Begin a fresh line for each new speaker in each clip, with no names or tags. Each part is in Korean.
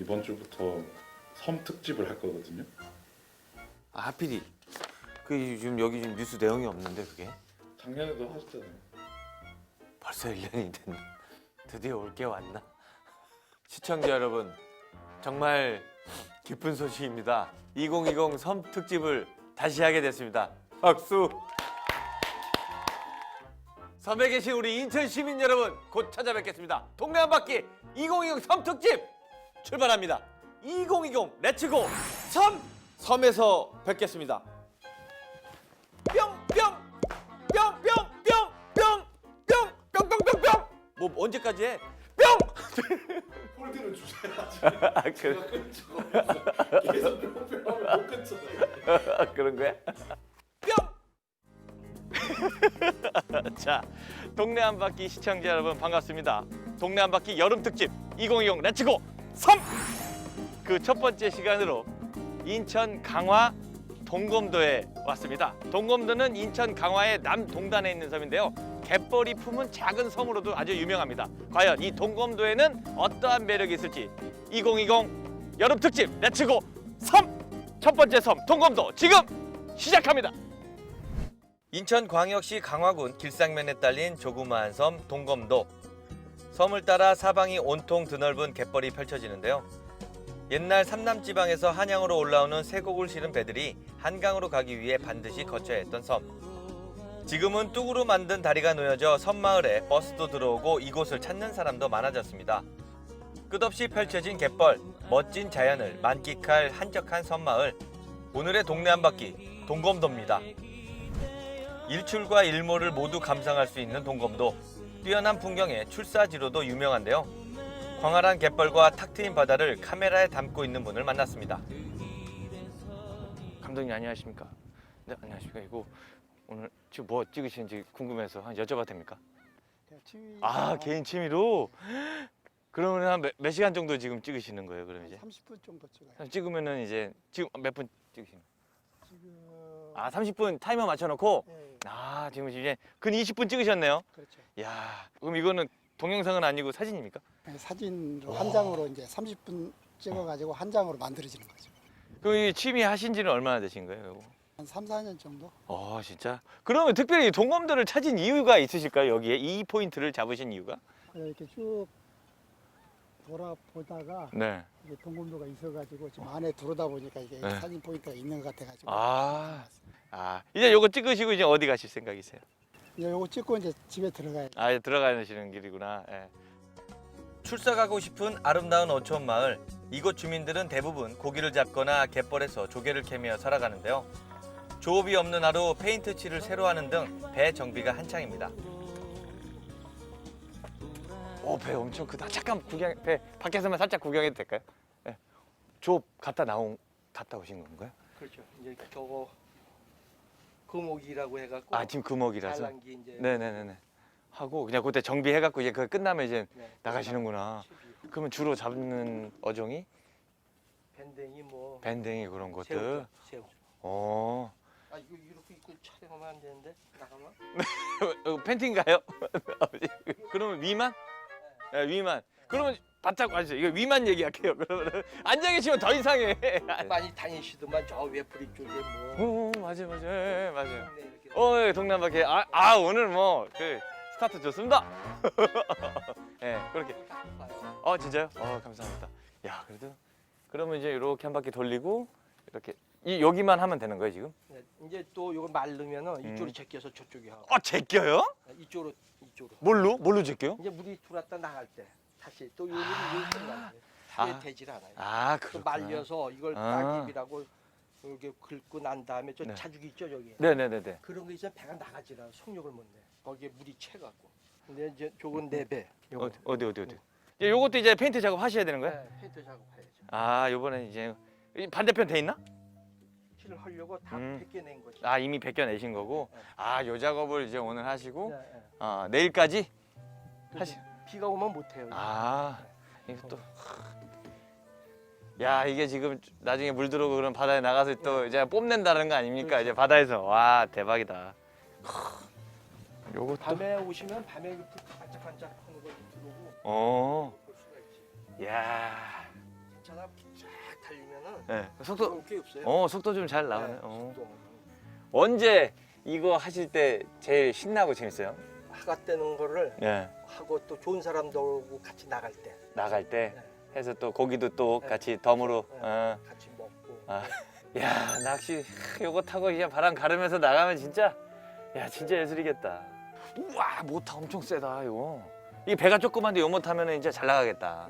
이번 주부터 섬 특집을 할 거거든요.
아, 하필이 그 지금 여기 지금 뉴스 내용이 없는데 그게
작년에도 하셨잖아요.
벌써 1년이 됐나? 드디어 올 게 왔나? 시청자 여러분, 정말 기쁜 소식입니다. 2020 섬 특집을 다시 하게 됐습니다. 박수! 섬에 계신 우리 인천 시민 여러분, 곧 찾아뵙겠습니다. 동네 한 바퀴 2020 섬 특집 출발합니다. 2020 렛츠고 섬! 섬에서 뵙겠습니다. 뿅뿅뿅뿅뿅뿅뿅뿅뿅뿅뿅 뭐 언제까지 해? 뿅!
폴드를 주셔야지.
아, 그래.
제가 끊을 수가 없어요. 계속 뿅뿅하면 못 끊잖아요.
그런 거야? 뿅! 자, 동네 한 바퀴 시청자 여러분 반갑습니다. 동네 한 바퀴 여름 특집 2020 렛츠고 섬! 그 첫 번째 시간으로 인천 강화 동검도에 왔습니다. 동검도는 인천 강화의 남동단에 있는 섬인데요. 갯벌이 품은 작은 섬으로도 아주 유명합니다. 과연 이 동검도에는 어떠한 매력이 있을지 2020 여름 특집 렛츠고 섬! 첫 번째 섬 동검도 지금 시작합니다. 인천광역시 강화군 길상면에 딸린 조그마한 섬 동검도. 섬을 따라 사방이 온통 드넓은 갯벌이 펼쳐지는데요. 옛날 삼남지방에서 한양으로 올라오는 쇠곡을 실은 배들이 한강으로 가기 위해 반드시 거쳐야 했던 섬. 지금은 뚝으로 만든 다리가 놓여져 섬마을에 버스도 들어오고 이곳을 찾는 사람도 많아졌습니다. 끝없이 펼쳐진 갯벌, 멋진 자연을 만끽할 한적한 섬마을. 오늘의 동네 한 바퀴 동검도입니다. 일출과 일몰을 모두 감상할 수 있는 동검도. 뛰어난 풍경에 출사지로도 유명한데요. 광활한 갯벌과 탁 트인 바다를 카메라에 담고 있는 분을 만났습니다. 감독님 안녕하십니까? 네, 안녕하십니까? 이거 오늘 지금 뭐 찍으시는지 궁금해서 여쭤봐도 됩니까? 아, 개인 취미로? 그러면 한 몇 시간 정도 지금 찍으시는 거예요? 그럼 이제
30분 정도 찍어요.
찍으면은 이제 지금 몇 분 찍으시는 거예요?
지금
아, 30분 타이머 맞춰놓고?
네,
아, 지금 이제 근 20분 찍으셨네요?
그렇죠.
야, 그럼 이거는 동영상은 아니고 사진입니까?
네, 사진으로 한 장으로 이제 30분 찍어가지고 한 장으로 만들어지는 거죠.
그럼 이 취미 하신 지는 얼마나 되신 거예요? 이거?
한 3, 4년 정도?
진짜? 그러면 특별히 동검도를 찾은 이유가 있으실까요? 여기에 이 포인트를 잡으신 이유가?
이렇게 쭉 돌아보다가
네.
이게 동검도가 있어가지고 지금 안에 들어오다 보니까 이게
네.
사진 포인트가 있는 것 같아가지고.
이제 요거 찍으시고 이제 어디 가실 생각이세요?
이제 요거 찍고 이제 집에 들어가야죠.
아, 이제 들어가시는 길이구나. 예. 출사 가고 싶은 아름다운 어촌 마을. 이곳 주민들은 대부분 고기를 잡거나 갯벌에서 조개를 캐며 살아가는데요. 조업이 없는 하루 페인트 칠을 새로 하는 등 배 정비가 한창입니다. 배 엄청 크다. 잠깐 배 밖에서만 살짝 구경해도 될까요? 예. 조업 갔다 오신 건가요?
그렇죠. 이제 저거 금옥이라고 해갖고.
지금 금옥이라서.
잘난기 이제.
네네네네. 하고 그냥 그때 정비해갖고 이제 그거 끝나면 이제
네.
나가시는구나.
12.
그러면 주로 잡는 어종이
밴댕이 뭐.
밴댕이 그런 것들.
새우죠. 새우.
어.
아 이거 이렇게 입고 촬영하면 안 되는데 나가면?
팬티인가요? 그러면 위만? 네, 위만. 그러면 바짝 와주세요. 이거 위만 얘기할게요. 그러면 앉아 계시면 더 이상해.
많이 다니시더만 저 외프리 쪽에 뭐.
맞아요, 맞아요, 예, 맞아요.
동네 이렇게.
예, 동남바퀴. 오늘 뭐 그 스타트 좋습니다. 예, 그렇게.
봐요.
진짜요? 감사합니다. 야, 그래도 그러면 이제 이렇게 한 바퀴 돌리고 이렇게 여기만 하면 되는 거예요 지금?
네, 이제 또 이거 말르면은 이쪽으로 제껴서 저쪽에 하고.
제껴요?
이쪽으로.
뭘로 제껴요?
이제 물이 들어왔다 나갈 때 다시 또 요리를 끝나는데 수에 되질 않아요. 또
그렇구나.
말려서 이걸
아.
따깁이라고 이렇게 긁고 난 다음에 저
네.
자죽 있죠 저기.
네네네네.
그런 거 있으면 배가 나가질 않아. 속력을 못 내. 거기에 물이 채갖고. 근데 이제 저건 네 배. 요거.
어디? 이제 요것도 이제 페인트 작업 하셔야 되는 거예요?
네, 페인트 작업해야죠.
요번에 이제 이 반대편 돼 있나?
칠을 하려고 다
음.
벗겨낸 거지.
이미 벗겨내신 거고. 요 작업을 이제 오늘 하시고
네, 네.
내일까지
근데
하시.
비가 오면 못 해요.
이거 또. 야, 이게 지금 나중에 물 들어오고 그런 바다에 나가서 또 이제 뽐낸다는 거 아닙니까?
그렇죠.
이제 바다에서. 와, 대박이다. 요것도.
밤에 오시면 밤에 이렇게 반짝반짝 하는 거 들어오고
어.
볼 수가 있지.
야.
차가 쫙 달리면은
네. 속도
그런 게 없어요.
속도 좀 잘 나오네.
네, 속도.
언제 이거 하실 때 제일 신나고 재밌어요?
화가 떼는 거를
예.
하고 또 좋은 사람들하고 같이 나갈 때
나갈 때
네.
해서 또 고기도 또
네.
같이 덤으로.
네, 같이 먹고.
아. 야 낚시 요거 타고 이제 바람 가르면서 나가면 진짜 진짜 예술이겠다. 우와 모타 엄청 세다 이거. 이게 배가 조그만데 요 모타면 이제 잘 나가겠다.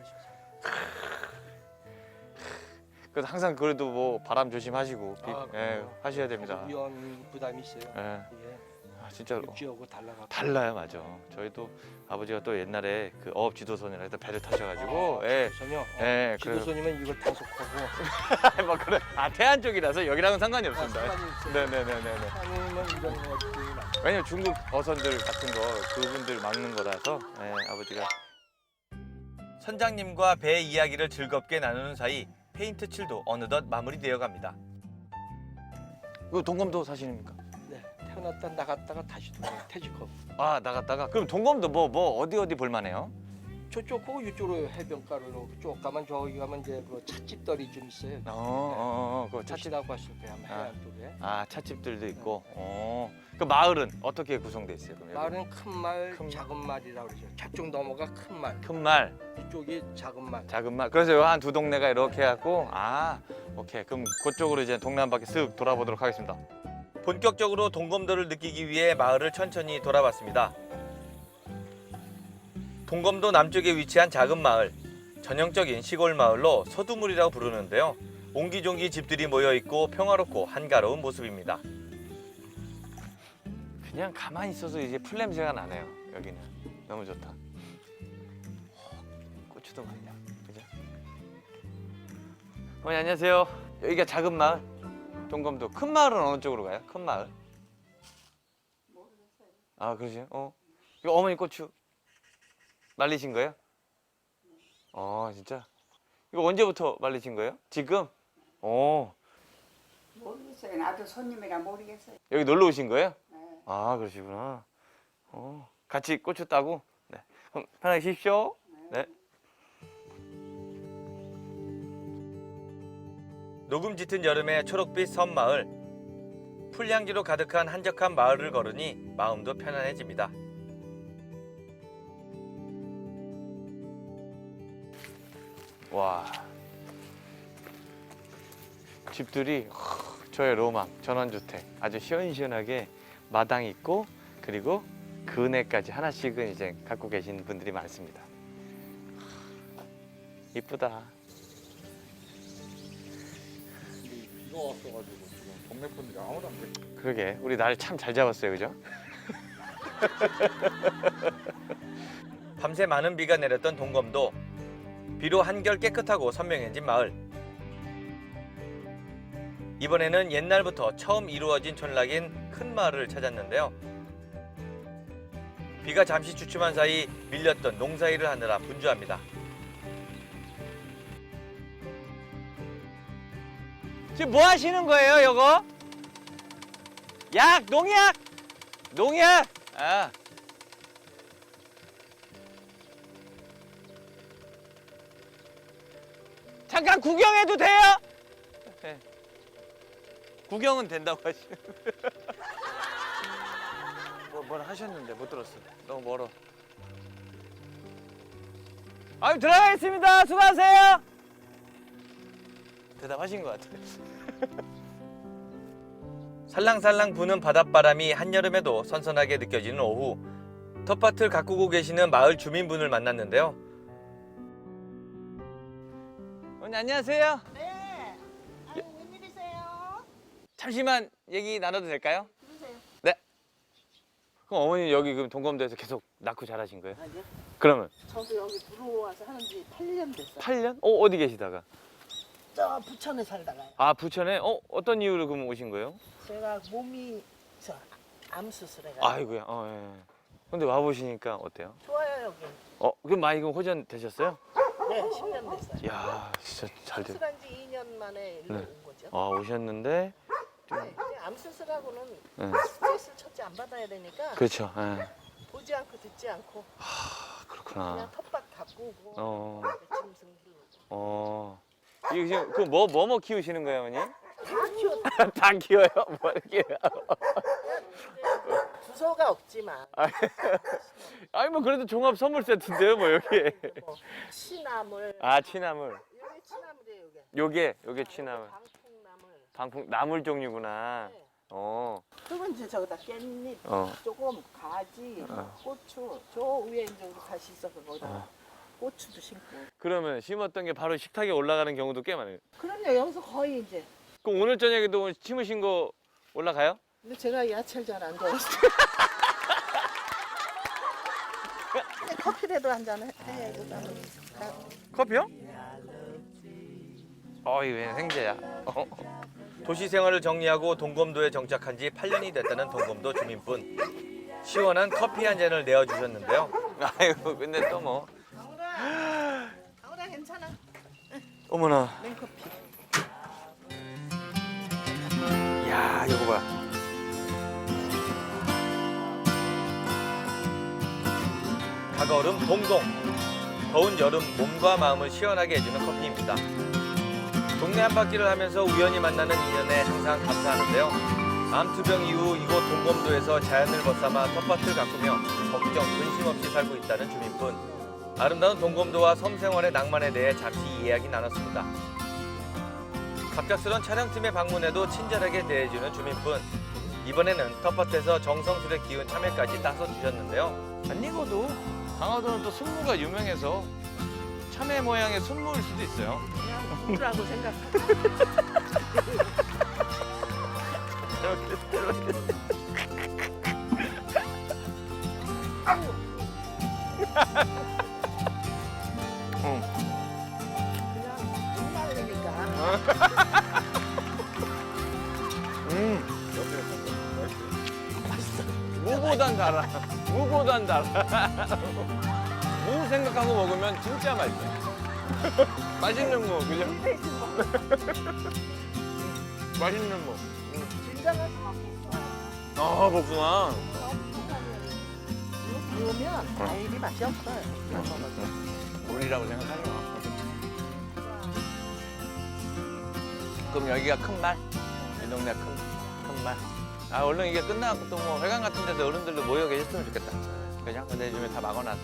그래서 항상 그래도 뭐 바람 조심하시고 하셔야 됩니다.
위험 부담이 있어요.
예.
이게
진짜로
육지하고 달라가.
달라요, 맞아. 저희도 아버지가 또 옛날에 그 어업 지도선이라 해서 배를 타셔가지고, 예,
지도선이요.
예, 그래서
지도선이면 이걸 단속하고.
뭐 그래. 아 태안 쪽이라서 여기랑은 상관이 없습니다.
상관이 있어요.
네네네네.
아니면 이런 것들이 많죠.
왜냐면 중국 어선들 같은 거 그분들 막는 거라서, 아버지가. 선장님과 배 이야기를 즐겁게 나누는 사이 페인트 칠도 어느덧 마무리되어 갑니다. 이거 동검도 사진입니까?
네, 태어났다 나갔다가 다시 돌아요. 퇴직하고.
아 나갔다가 그럼 동검도 뭐 어디 볼만해요?
저쪽 고 이쪽으로 해변가로 쭉 가면 저기 가면 이제 그 찻집들이 좀 있어요.
그거 찻집.
찻집이라고 하실 거예요. 아마 해안 쪽에.
아 찻집들도 있고. 그 마을은 어떻게 구성돼 있어요? 그럼 여기?
말은 큰 말,
큰 말.
작은 말이라고 그러죠. 저쪽 넘어가 큰 말,
큰 말,
이쪽이 작은 말.
작은 말. 그래서 한 두 동네가 이렇게 해갖고 오케이. 그럼 그쪽으로 이제 동네 한 바퀴 쓱 돌아보도록 하겠습니다. 본격적으로 동검도를 느끼기 위해 마을을 천천히 돌아봤습니다. 동검도 남쪽에 위치한 작은 마을, 전형적인 시골 마을로 서두물이라고 부르는데요. 옹기종기 집들이 모여 있고 평화롭고 한가로운 모습입니다. 그냥 가만히 있어도 이제 풀 냄새가 나네요. 여기는 너무 좋다. 고추도 많냐, 그죠? 어머니 안녕하세요. 여기가 작은 마을, 동검도. 큰 마을은 어느 쪽으로 가요? 큰 마을? 모르겠어요. 아 그러세요? 이거 어머니 고추 말리신 거예요? 진짜? 이거 언제부터 말리신 거예요? 지금?
모르겠어요. 나도 손님이라 모르겠어요.
여기 놀러 오신 거예요?
네.
아 그러시구나. 같이 고추 따고. 네. 그럼 편하게 쉬십시오. 네. 녹음 짙은 여름의 초록빛 섬마을. 풀향기로 가득한 한적한 마을을 걸으니 마음도 편안해집니다. 와. 집들이 저의 로망, 전원주택. 아주 시원시원하게 마당 있고 그리고 그네까지 하나씩은 이제 갖고 계신 분들이 많습니다. 이쁘다.
근데 비가 왔어가지고 지금 동네 분들이 아무도 안 계세요.
그러게 우리 날 참 잘 잡았어요, 그죠? 밤새 많은 비가 내렸던 동검도 비로 한결 깨끗하고 선명해진 마을. 이번에는 옛날부터 처음 이루어진 촌락인 큰 마을을 찾았는데요. 비가 잠시 주춤한 사이 밀렸던 농사일을 하느라 분주합니다. 지금 뭐 하시는 거예요, 요거? 약, 농약! 농약! 잠깐 구경해도 돼요? 네. 구경은 된다고 하시는. 뭐라 하셨는데 못 들었어. 너무 멀어. 아유 들어가겠습니다. 수고하세요. 대답하신 것 같아요. 살랑살랑 부는 바닷바람이 한여름에도 선선하게 느껴지는 오후. 텃밭을 가꾸고 계시는 마을 주민분을 만났는데요. 언니 안녕하세요.
네. 아유, 웬일이세요?
잠시만 얘기 나눠도 될까요?
그러세요.
네. 그럼 어머니 여기 그럼 동검도에서 계속 낳고 자라신 거예요?
아니요.
그러면
저도 여기 들어와서 하는 지 8년 됐어요.
8년? 어디 계시다가?
저 부천에 살다가요.
아 부천에? 어떤 이유로 그럼 오신 거예요?
제가 몸이 암 수술해가지고.
아이고야. 예. 근데 와 보시니까 어때요?
좋아요 여기.
그럼 많이 그럼 호전 되셨어요?
네, 10년 됐어요.
이야 진짜 잘 됐.
수술한 지 2년 만에 일로
네.
온 거죠.
오셨는데
네, 이제 암 수술하고는
네.
스트레스를 첫째 안 받아야 되니까
그렇죠. 예.
보지 않고 듣지 않고 그냥
그렇구나.
텃밭 가꾸고
어.
짐승 키우고.
이거 지금 그 뭐 키우시는 거예요, 어머니?
다 키워.
다 키워요? 뭐 이렇게?
부서가 없지만
아니 뭐 그래도 종합 선물 세트인데요, 뭐 여기.
뭐 취나물.
아 취나물.
요게 취나물이에요, 요게.
요게 취나물.
방풍나물.
나물 종류구나.
네.
어.
그건 이제 저기다 깻잎,
어.
조금 가지, 고추. 저 위에 이제 우리 밭이 있어서 거기다 고추도 심고.
그러면 심었던 게 바로 식탁에 올라가는 경우도 꽤 많아요.
그럼요, 여기서 거의 이제.
그럼 오늘 저녁에도 심으신 거 올라가요?
근데 제가 야채를 잘 안 좋아해서. 근데 커피라도 한 잔 해야지. 나는.
커피요? 어이 왜 생제야? 도시 생활을 정리하고 동검도에 정착한 지 8년이 됐다는 동검도 주민분. 시원한 커피 한 잔을 내어주셨는데요. 아이고 근데 또 뭐.
강우라 괜찮아.
어머나.
냉커피.
야 이거 봐. 다가오름 동동. 더운 여름 몸과 마음을 시원하게 해주는 커피입니다. 동네 한 바퀴를 하면서 우연히 만나는 인연에 항상 감사하는데요. 암투병 이후 이곳 동검도에서 자연을 벗삼아 텃밭을 가꾸며 걱정, 근심 없이 살고 있다는 주민분. 아름다운 동검도와 섬 생활의 낭만에 대해 잠시 이야기 나눴습니다. 갑작스런 촬영팀의 방문에도 친절하게 대해주는 주민분. 이번에는 텃밭에서 정성스레 키운 참외까지 따서 주셨는데요. 안 익어도 강화도는 또 순무가 유명해서 참외 모양의 순무일 수도 있어요.
그냥 우라고 생각해. 그냥 목말리니까.
무보단 달아. 무보단 달아. 무 생각하고 먹으면 진짜 맛있어. 맛있는 무, 그죠? 맛있는 무.
진정한 복숭아.
아, 복숭아.
그러면 과일이 맛이 없어요.
물이라고 생각하지 마. 그럼 여기가 큰 말? 이 동네 큰 말? 아, 얼른 이게 끝나고 또 뭐 회관 같은 데서 어른들도 모여 계셨으면 좋겠다. 그죠? 근데 요즘에 다 막아놔서.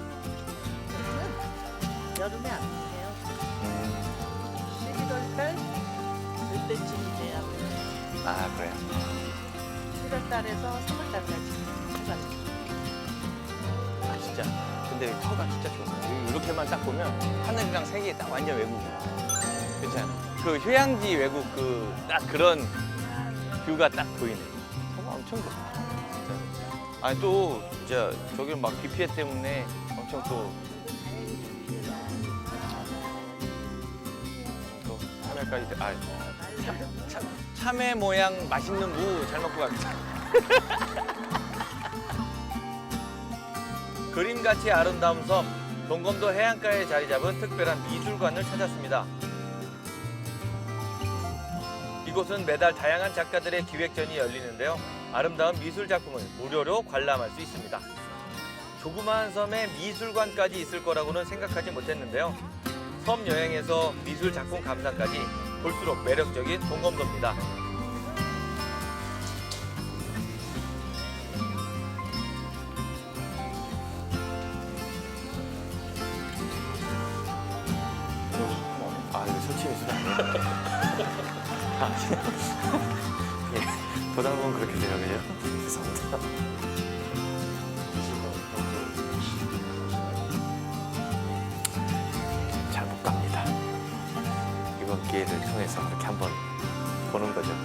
여름에 안 돼요. 11월 달 그때쯤이 돼야
아, 그래요?
7월 달에서 3월 달까지 휴가.
아, 진짜. 근데 이 터가 진짜 좋아요. 이렇게만 딱 보면 하늘이랑 색이 딱 완전 외국이야. 그렇잖아. 그 휴양지 외국 그 딱 그런 뷰가 딱 보이네. 터가 엄청 좋아. 진짜. 아니 또 진짜 저기 막 비 피해 때문에 엄청 또 참외까지 참외 모양 맛있는 무 잘 먹고 갑니다. 그림같이 아름다운 섬 동검도 해안가에 자리 잡은 특별한 미술관을 찾았습니다. 이곳은 매달 다양한 작가들의 기획전이 열리는데요. 아름다운 미술 작품을 무료로 관람할 수 있습니다. 조그마한 섬에 미술관까지 있을 거라고는 생각하지 못했는데요. 섬 여행에서 미술 작품 감상까지 볼수록 매력적인 동검도입니다. 아, 이거 설치 미술 아니에요? 예, 보다 보면 그렇게 돼요, 그죠? 죄송합니다. 잘 못 갑니다. 이번 기회를 통해서 그렇게 한번 보는 거죠.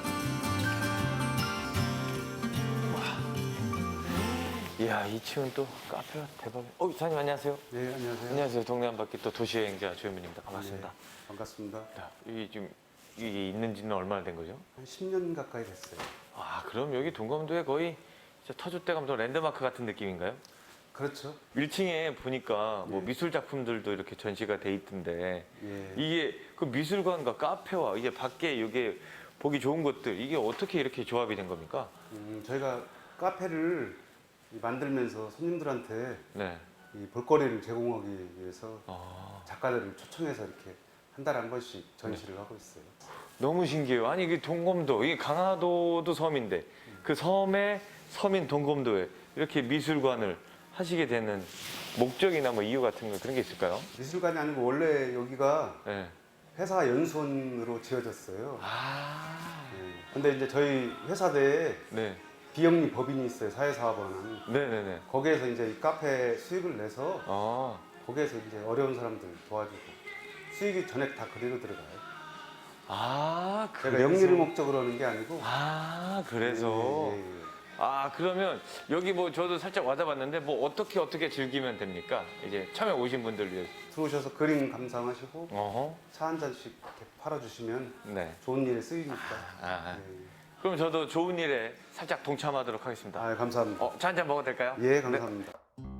이야, 2층은 또 카페가 대박. 이사님 안녕하세요.
네, 안녕하세요.
안녕하세요. 동네 한 바퀴 또 도시여행자 조현민입니다. 반갑습니다.
네, 반갑습니다.
야, 이게 지금 이게 있는지는 얼마나 된 거죠?
한 10년 가까이 됐어요.
아, 그럼 여기 동검도에 거의 진짜 터줏대 감도 랜드마크 같은 느낌인가요?
그렇죠.
1층에 보니까 뭐
예.
미술 작품들도 이렇게 전시가 돼 있던데
예.
이게 그 미술관과 카페와 이게 밖에 이게 보기 좋은 것들 이게 어떻게 이렇게 조합이 된 겁니까?
저희가 카페를 만들면서 손님들한테
네.
이 볼거리를 제공하기 위해서
아,
작가들을 초청해서 이렇게 한 달에 한 번씩 전시를 하고 있어요.
너무 신기해요. 아니 이게 동검도, 이 강화도도 섬인데 그 섬에 섬인 동검도에 이렇게 미술관을 하시게 되는 목적이나 뭐 이유 같은 거 그런 게 있을까요?
미술관이 아니고 원래 여기가
네.
회사 연수원으로 지어졌어요.
아,
네. 근데 이제 저희 회사 내에
네,
비영리 법인이 있어요. 사회사업원은.
네네네.
거기에서 이제 이 카페 수익을 내서
아,
거기에서 이제 어려운 사람들 도와주고 수익이 전액 다 그대로 들어가요.
아,
제가 영리를 목적으로 하는 게 아니고.
아, 그래서.
예, 예, 예.
아, 그러면 여기 뭐 저도 살짝 와다봤는데 뭐 어떻게 즐기면 됩니까? 이제 처음에 오신 분들 위해서.
들어오셔서 그림 감상하시고
어허.
차 한 잔씩 이렇게 팔아주시면
네.
좋은 일에 쓰이니까.
아,
예, 예.
그럼 저도 좋은 일에 살짝 동참하도록 하겠습니다.
아, 감사합니다.
차 한 잔 먹어도 될까요?
예, 감사합니다.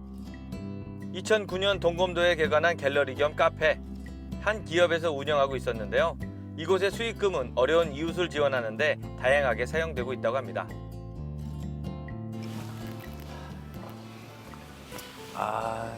2009년 동검도에 개관한 갤러리 겸 카페. 한 기업에서 운영하고 있었는데요. 이곳의 수익금은 어려운 이웃을 지원하는데 다양하게 사용되고 있다고 합니다. 아,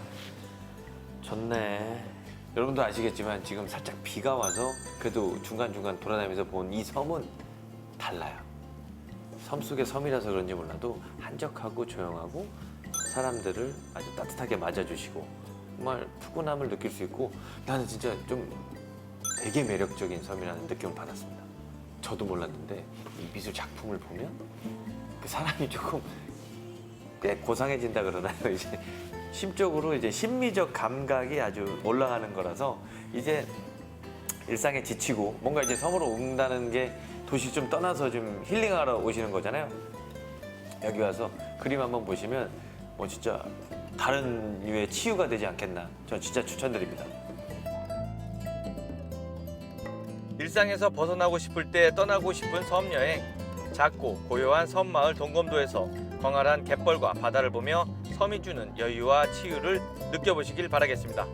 좋네. 여러분도 아시겠지만 지금 살짝 비가 와서 그래도 중간중간 돌아다니면서 본 이 섬은 달라요. 섬 속의 섬이라서 그런지 몰라도 한적하고 조용하고 사람들을 아주 따뜻하게 맞아주시고 정말 푸근함을 느낄 수 있고 나는 진짜 좀 되게 매력적인 섬이라는 느낌을 받았습니다. 저도 몰랐는데 이 미술 작품을 보면 그 사람이 조금 꽤 고상해진다 그러나요? 이제 심적으로 이제 심미적 감각이 아주 올라가는 거라서 이제 일상에 지치고 뭔가 이제 섬으로 온다는 게 도시 좀 떠나서 좀 힐링하러 오시는 거잖아요. 여기 와서 그림 한번 보시면 뭐 진짜 다른 류의 치유가 되지 않겠나. 전 진짜 추천드립니다. 일상에서 벗어나고 싶을 때 떠나고 싶은 섬 여행. 작고 고요한 섬마을 동검도에서 광활한 갯벌과 바다를 보며 섬이 주는 여유와 치유를 느껴보시길 바라겠습니다.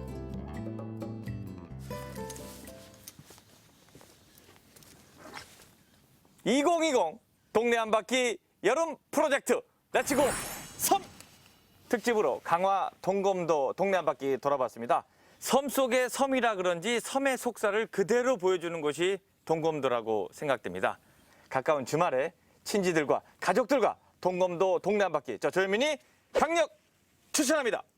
2020 동네 한 바퀴 여름 프로젝트 렛츠고 섬 특집으로 강화 동검도 동네 한 바퀴 돌아봤습니다. 섬 속의 섬이라 그런지 섬의 속살을 그대로 보여주는 곳이 동검도라고 생각됩니다. 가까운 주말에 친지들과 가족들과 동검도 동네 한 바퀴 저 조현민이 강력 추천합니다.